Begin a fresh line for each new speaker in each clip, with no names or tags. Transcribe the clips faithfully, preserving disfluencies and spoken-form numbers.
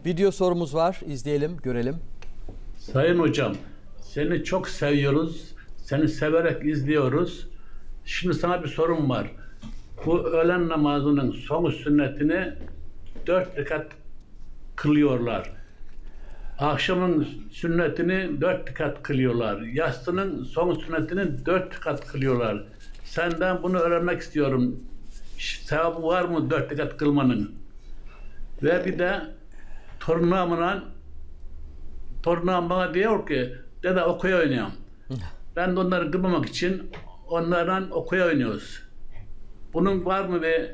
Video sorumuz var. İzleyelim, görelim.
Sayın hocam, seni çok seviyoruz. Seni severek izliyoruz. Şimdi sana bir sorum var. Bu öğlen namazının son sünnetini dört rekat kılıyorlar. Akşamın sünnetini dört rekat kılıyorlar. Yatsının son sünnetini dört rekat kılıyorlar. Senden bunu öğrenmek istiyorum. Sevabı var mı dört rekat kılmanın? Ve bir de torunumla torunum bana diyor ki dede okuya oynuyorum. Ben de onları kırmamak için onlardan okuya oynuyoruz. Bunun var mı bir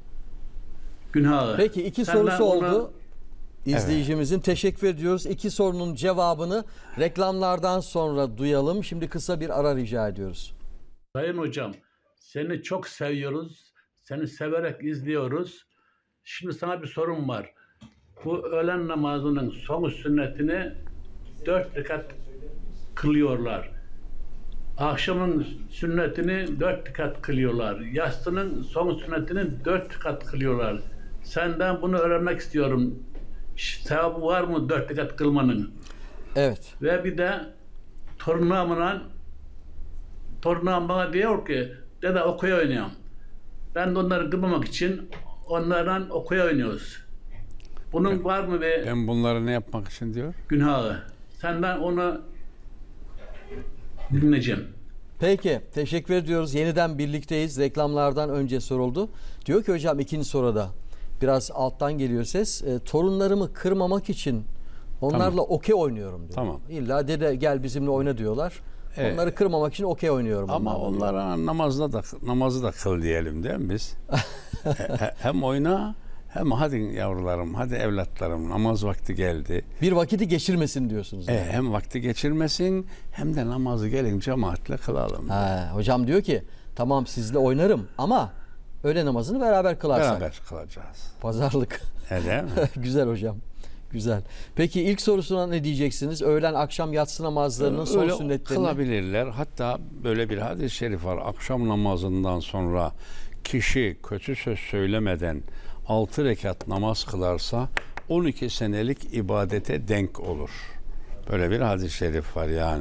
günahı?
Peki iki
Senden
sorusu
ona...
oldu. İzleyicimizin evet. Teşekkür ediyoruz. İki sorunun cevabını reklamlardan sonra duyalım. Şimdi kısa bir ara rica ediyoruz.
Sayın hocam, seni çok seviyoruz. Seni severek izliyoruz. Şimdi sana bir sorum var. Bu öğlen namazının son sünnetini dört rekat kılıyorlar. Akşamın sünnetini dört rekat kılıyorlar. Yatsının son sünnetini dört rekat kılıyorlar. Senden bunu öğrenmek istiyorum. Sevabı var mı dört rekat kılmanın?
Evet.
Ve bir de torunumla torunum bana diyor ki dede okuya oynuyorum. Ben de onları kırmamak için onlardan okuya oynuyoruz. Bunun
ben,
var mı bir
ben bunları ne yapmak için diyor?
Günahı. Senden onu dinleyeceğim.
Peki, teşekkür ediyoruz. Yeniden birlikteyiz. Reklamlardan önce soruldu. Diyor ki hocam ikinci soruda biraz alttan geliyor ses. E, torunlarımı kırmamak için onlarla tamam. okey oynuyorum diyor. Tamam. İlla dede gel bizimle oyna diyorlar. Evet. Onları kırmamak için okey oynuyorum.
Ama onlara namazda da namazı da kıl diyelim değil mi biz? Hem oyna hem hadi yavrularım, hadi evlatlarım namaz vakti geldi.
Bir vakiti geçirmesin diyorsunuz. Yani.
E, hem vakti geçirmesin hem de namazı gelin cemaatle kılalım.
Ha, hocam diyor ki tamam sizle oynarım ama öğle namazını beraber kılarsak.
Beraber kılacağız.
Pazarlık.
Öyle mi?
Güzel hocam. Güzel. Peki ilk sorusuna ne diyeceksiniz? Öğlen akşam yatsı namazlarının son
Öyle
sünnetlerini.
kılabilirler. Hatta böyle bir hadis-i şerif var. Akşam namazından sonra kişi kötü söz söylemeden altı rekat namaz kılarsa on iki senelik ibadete denk olur. Böyle bir hadis-i şerif var yani.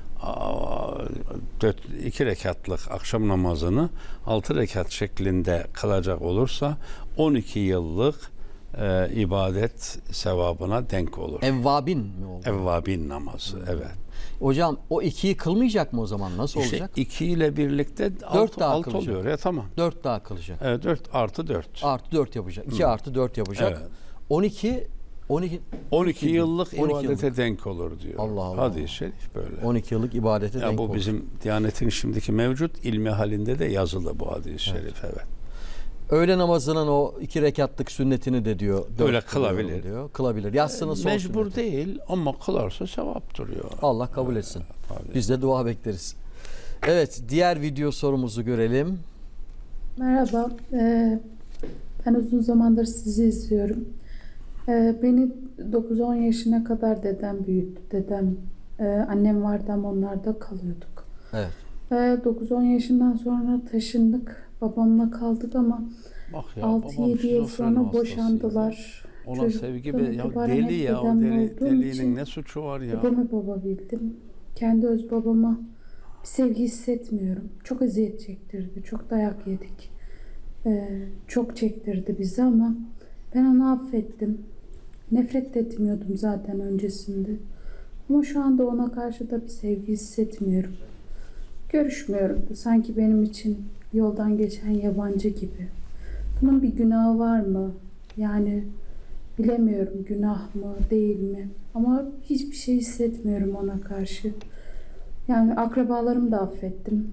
iki rekatlık akşam namazını altı rekat şeklinde kılacak olursa on iki yıllık e, ibadet sevabına denk olur.
Evvabin mi oldu?
Evvabin namazı, evet.
Hocam o ikiyi kılmayacak mı o zaman? Nasıl
işte
olacak?
iki ile birlikte
dört daha
alt oluyor ya tamam.
Dört daha kılacak.
Evet, dört artı dört.
Artı dört yapacak. İki artı dört yapacak. Evet. on iki on iki
on iki yıllık
on iki
ibadete
yıllık.
denk olur diyor.
Allah Allah.
Hadis-i şerif böyle.
on iki yıllık ibadete
ya
denk
bu
olur.
Bu bizim Diyanet'in şimdiki mevcut ilmi halinde de yazılı bu hadis-i şerif, evet. evet.
Öğle namazının o iki rekatlık sünnetini de diyor.
Öyle kılabilir.
Diyor. Kılabilir. Yatsının son
Mecbur
sünneti.
değil ama kılarsa sevap duruyor.
Allah kabul etsin.
Evet,
biz de dua bekleriz. Evet, diğer video sorumuzu görelim.
Merhaba. Ee, ben uzun zamandır sizi izliyorum. Ee, beni dokuz on yaşına kadar dedem büyüttü. Dedem, e, annem vardı ama onlarda kalıyorduk.
Evet.
Ee, dokuz on yaşından sonra taşındık. Babamla kaldık ama altı yedi yıl sonra boşandılar.
Ona
Çocuk
sevgi be, ya deli ya, o deli, delinin ne suçu var ya?
Dedemi baba bildim. Kendi öz babama bir sevgi hissetmiyorum. Çok eziyet çektirdi. Çok dayak yedik. Ee, çok çektirdi bizi ama ben onu affettim. Nefret de etmiyordum zaten öncesinde. Ama şu anda ona karşı da bir sevgi hissetmiyorum. Görüşmüyorum da sanki benim için yoldan geçen yabancı gibi. Bunun bir günahı var mı? Yani bilemiyorum, günah mı değil mi? Ama hiçbir şey hissetmiyorum ona karşı. Yani akrabalarımı da affettim.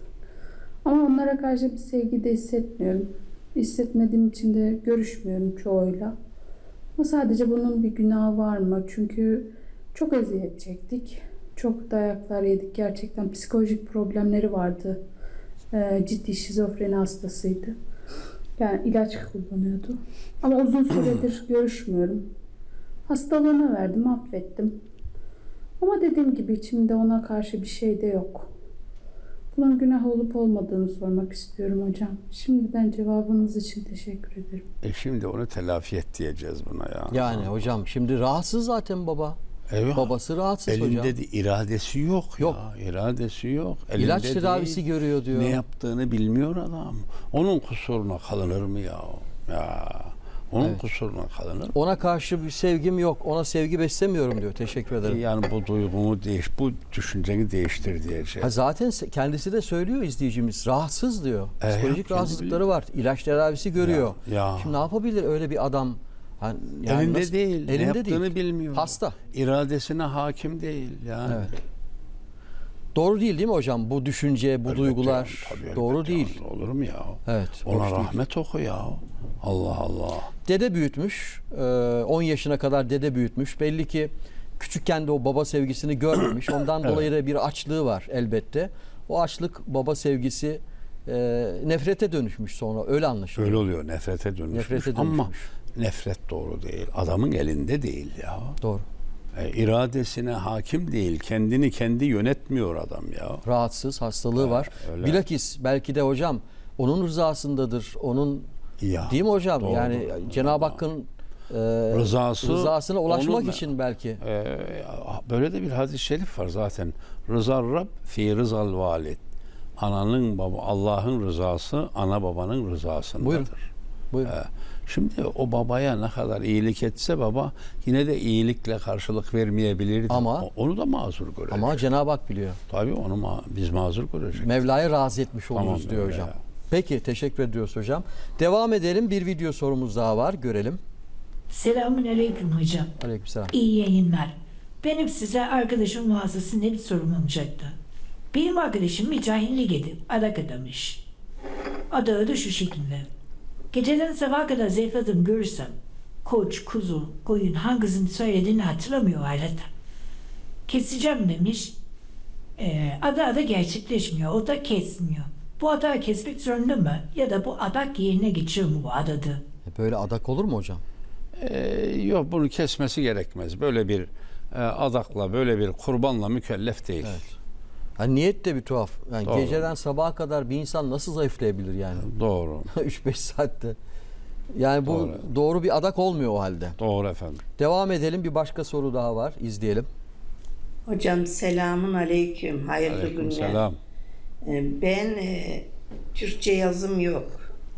Ama onlara karşı bir sevgi de hissetmiyorum. Hissetmediğim için de görüşmüyorum çoğuyla. Ama sadece bunun bir günahı var mı? Çünkü çok eziyet çektik. Çok dayaklar yedik. Gerçekten psikolojik problemleri vardı. Ee, ciddi şizofreni hastasıydı. Yani ilaç kullanıyordu. Ama uzun süredir görüşmüyorum. Hastalığına verdim, affettim. Ama dediğim gibi içimde ona karşı bir şey de yok. Bunun günah olup olmadığını sormak istiyorum hocam. Şimdiden cevabınız için teşekkür ederim.
E şimdi onu telafi et diyeceğiz buna ya.
Yani hocam şimdi rahatsız zaten baba.
Evet.
Babası rahatsız
Elinde
hocam.
de iradesi yok,
Yok.
ya. İradesi yok. Elinde
İlaç
değil.
tedavisi görüyor diyor.
Ne yaptığını bilmiyor adam. Onun kusuruna kalınır mı ya? Ya. Onun
Evet.
kusuruna kalınır mı?
Ona karşı bir sevgim yok. Ona sevgi beslemiyorum diyor. Teşekkür ederim.
Yani bu duygumu değiş, bu düşünceni değiştir diyeceğiz.
Ha zaten se- kendisi de söylüyor izleyicimiz. Rahatsız diyor.
E,
Psikolojik
kendi
rahatsızlıkları var. İlaç tedavisi görüyor.
Ya, ya.
Şimdi ne yapabilir öyle bir adam? Ha, yani
Elinde
nasıl-
değil. ne
Elinde
yaptığını
değil.
bilmiyor.
Hasta.
İradesine hakim değil. Yani.
Evet. Doğru değil değil mi hocam? Bu düşünce, bu
Elbette
duygular
yani, tabii
doğru
elbette
değil.
yani. Olur mu ya?
Evet.
Ona
hoş değil.
rahmet oku ya. Allah Allah.
Dede büyütmüş. Ee, on yaşına kadar dede büyütmüş. Belli ki küçükken de o baba sevgisini görmemiş. Ondan
Evet.
dolayı da bir açlığı var elbette. O açlık baba sevgisi e, nefrete dönüşmüş sonra. Öyle anlaşılıyor.
Öyle oluyor. Nefrete dönüşmüş.
Nefrete
Ama
dönüşmüş.
nefret doğru değil. Adamın elinde değil ya.
Doğru.
E, iradesine hakim değil. Kendini kendi yönetmiyor adam ya.
Rahatsız, hastalığı var.
öyle.
Bilakis belki de hocam onun rızasındadır. Onun
Ya,
değil mi hocam?
doğru.
Yani Cenab-ı Hakk'ın e,
Rızası,
rızasına ulaşmak
onun-
için belki.
Ee, böyle de bir hadis-i şerif var zaten. Rızar Rab fi rızal valid. Ananın baba Allah'ın rızası ana babanın rızasındadır.
Buyurun. Buyurun.
Ee, şimdi o babaya ne kadar iyilik etse baba yine de iyilikle karşılık vermeyebilirdi.
Ama-
O- onu da mazur görecek.
Ama Cenab-ı Hak biliyor.
Tabii onu ma- biz mazur görecek.
Mevla'yı razı etmiş
Tamam,
oluruz diyor
öyle
hocam.
ya.
Peki teşekkür ediyoruz hocam. Devam edelim. Bir video sorumuz daha var. Görelim.
Selamünaleyküm hocam.
Aleykümselam.
İyi yayınlar. Benim size arkadaşım vasıtasıyla bir sorum olacaktı. Benim arkadaşım bir cahillik edip adak adamış. Adağı da şu şekilde. Geceden sabaha kadar zayıfladım görürsem koç, kuzu, koyun hangisini söylediğini hatırlamıyor hayrata. Keseceğim demiş. Ee, adağı da gerçekleşmiyor. O da kesmiyor. Bu adağı kesmek zorunda mı? Ya da bu adak yerine geçiyor mu bu adadı?
E, Böyle adak olur mu hocam?
Ee, yok bunu kesmesi gerekmez. Böyle bir e, adakla, böyle bir kurbanla mükellef değil.
Evet. Yani niyet de bir tuhaf. Yani
Doğru.
geceden sabaha kadar bir insan nasıl zayıflayabilir yani?
Doğru.
üç beş saatte. Yani bu
Doğru.
doğru bir adak olmuyor o halde.
Doğru efendim.
Devam edelim. Bir başka soru daha var. İzleyelim.
Hocam selamun aleyküm. Hayırlı günler.
Aleykümselam.
Ee, Ben e, Türkçe yazım yok.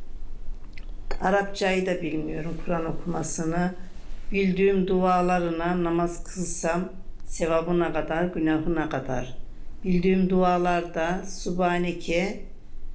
Arapçayı da bilmiyorum, Kur'an okumasını. Bildiğim dualarına namaz kılsam sevabına kadar, günahına kadar. Bildiğim dualarda Subhaneke,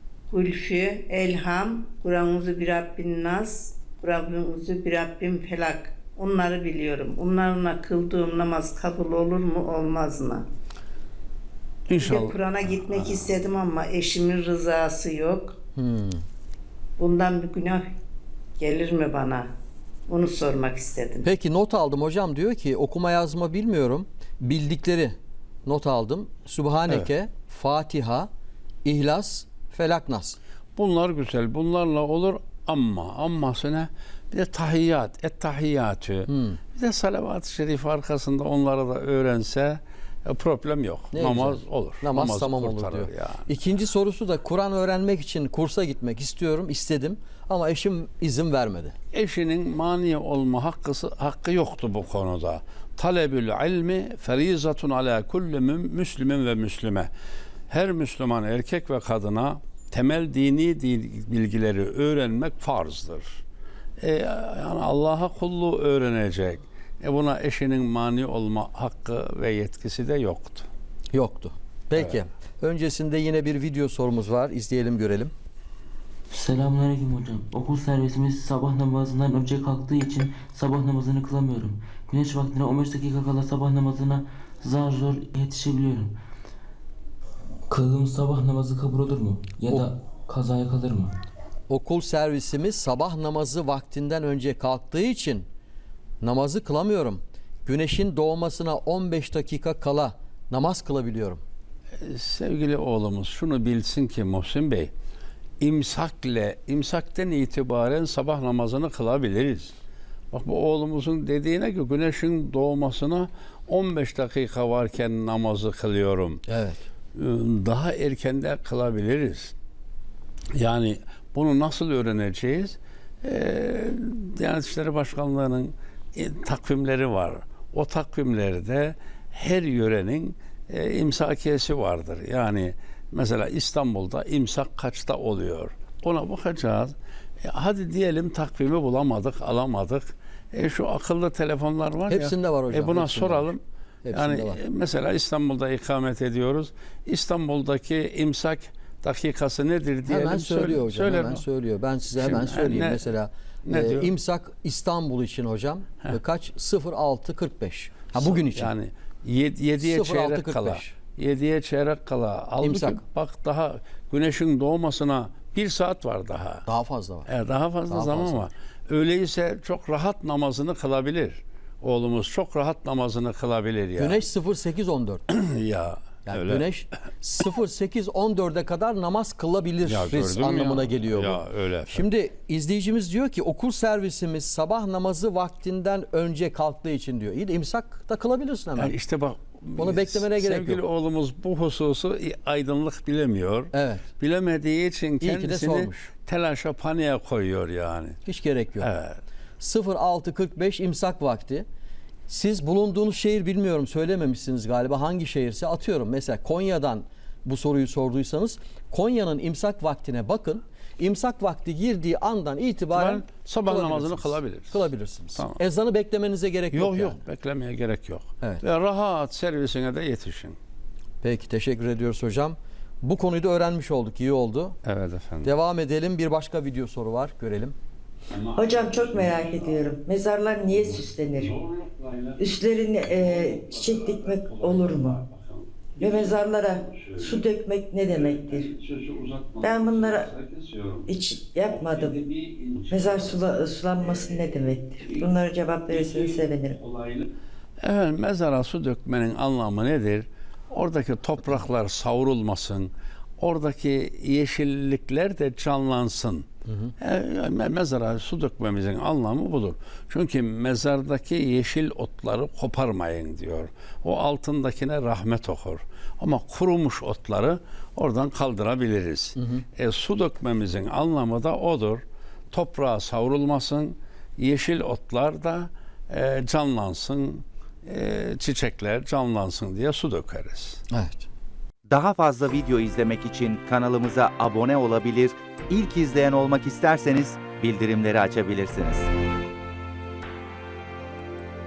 Gülfü, Elham, Kur'an-ı bir Rabbin Nas, Kur'an-ı bir Rabbin Felak. Onları biliyorum. Onlarla kıldığım namaz kabul olur mu, olmaz mı? Bir de
İnşallah.
Kur'an'a gitmek istedim ama eşimin rızası yok.
Hmm.
Bundan bir günah gelir mi bana? Onu sormak istedim.
Peki not aldım hocam, diyor ki okuma yazma bilmiyorum. Bildikleri not aldım. Sübhaneke, Fatiha, İhlas, Felak, Nas.
Bunlar güzel. Bunlarla olur ama amması ne? Bir de tahiyyat, et tahiyyatü.
Hmm.
Bir de salavat-ı şerif arkasında onları da öğrense e, problem yok.
Ne
Namaz
güzel.
olur.
Namaz
Namazı
tamam olur
kurtarır
diyor.
yani.
İkinci sorusu da Kur'an öğrenmek için kursa gitmek istiyorum, istedim ama eşim izin vermedi.
Eşinin mani olma hakkısı, hakkı yoktu bu konuda. Talebül ilmi ferizatun ala kulli mü- müslümin ve müslüme. Her Müslüman erkek ve kadına temel dini dil- bilgileri öğrenmek farzdır. E, yani Allah'a kulluğu öğrenecek. E buna eşinin mani olma hakkı ve yetkisi de yoktu.
Yoktu. Peki. Öncesinde yine bir video sorumuz var. İzleyelim, görelim.
Selamünaleyküm hocam. Okul servisimiz sabah namazından önce kalktığı için sabah namazını kılamıyorum. Güneş vaktine on beş dakika kala sabah namazına zar zor yetişebiliyorum. Kıldığım sabah namazı kabul olur mu? Ya da kazaya kalır mı?
Okul servisimiz sabah namazı vaktinden önce kalktığı için namazı kılamıyorum. Güneşin doğmasına on beş dakika kala namaz kılabiliyorum.
E, sevgili oğlumuz şunu bilsin ki Muhsin Bey, imsakle, imsakten itibaren sabah namazını kılabiliriz. Bak bu oğlumuzun dediğine ki güneşin doğmasına on beş dakika varken namazı kılıyorum.
Evet.
daha erkende kılabiliriz. Yani bunu nasıl öğreneceğiz? Ee, Diyanet İşleri Başkanlığı'nın e, takvimleri var. O takvimlerde her yörenin e, imsakiyesi vardır. Yani mesela İstanbul'da imsak kaçta oluyor? Ona bakacağız. E, hadi diyelim takvimi bulamadık, alamadık. E, şu akıllı telefonlar var ya.
Hepsinde var hocam.
E, buna
hepsinde
soralım.
var. Hepsinde
Yani
var.
e, mesela İstanbul'da ikamet ediyoruz. İstanbul'daki imsak dakikası nedir diyelim.
Hemen söylüyor
Söyle-
hocam.
söyler
Hemen
mi?
söylüyor. Ben size hemen
Şimdi,
söyleyeyim.
ne-
Mesela
ne
e,
diyor?
imsak İstanbul için hocam e, kaç? sıfır altı kırk beş. Ha bugün için.
Yani yediye
sıfır altı
çeyrek
kırk
kala.
beş.
yediye çeyrek kala. Halbuki
İmsak.
bak daha güneşin doğmasına bir saat var daha.
Daha fazla var.
E, daha fazla
Daha
zaman
fazla.
var. Öyleyse çok rahat namazını kılabilir. Oğlumuz çok rahat namazını kılabilir ya.
Güneş sıfır sekiz on dört.
ya
Yani
öyle.
güneş sıfır sekiz on dörde kadar namaz kılabilir
Ya gördün mü
anlamına
ya?
geliyor bu.
Ya öyle efendim.
Şimdi izleyicimiz diyor ki okul servisimiz sabah namazı vaktinden önce kalktığı için diyor. İyi de imsak da kılabilirsin hemen.
Yani işte bak
Onu beklemene gerek
sevgili
yok.
oğlumuz bu hususu aydınlık bilemiyor.
Evet.
Bilemediği için
ki de
kendisini
sormuş.
telaşa paniğe koyuyor yani.
Hiç gerek yok.
Evet.
sıfır altı kırk beş imsak vakti. Siz bulunduğunuz şehir bilmiyorum söylememişsiniz galiba. Hangi şehirse atıyorum. Mesela Konya'dan bu soruyu sorduysanız Konya'nın imsak vaktine bakın. İmsak vakti girdiği andan itibaren
Ben sabah
kılabilirsiniz.
namazını kılabiliriz.
Kılabilirsiniz.
Tamam.
Ezanı beklemenize gerek yok.
Yok yok
yani.
beklemeye gerek yok.
Evet.
Ve rahat servisine de yetişin.
Peki teşekkür ediyoruz hocam. Bu konuyu da öğrenmiş olduk. İyi oldu.
Evet efendim.
Devam edelim. Bir başka video soru var. Görelim.
Hocam çok merak ediyorum. Mezarlar niye süslenir? Üstlerine e, çiçek dikmek olur mu? Ve mezarlara su dökmek ne demektir? Ben bunlara hiç yapmadım. Mezar sula, sulanması ne demektir? Bunlara cevap verirseniz sevinirim.
Evet, mezara su dökmenin anlamı nedir? Oradaki topraklar savrulmasın. Oradaki yeşillikler de canlansın. E, mezara su dökmemizin anlamı budur. Çünkü mezardaki yeşil otları koparmayın diyor. O altındakine rahmet okur. Ama kurumuş otları oradan kaldırabiliriz. E, su dökmemizin anlamı da odur. Toprağa savrulmasın, yeşil otlar da e, canlansın, e, çiçekler canlansın diye su dökeriz.
Evet.
Daha fazla video izlemek için kanalımıza abone olabilir, ilk izleyen olmak isterseniz bildirimleri açabilirsiniz.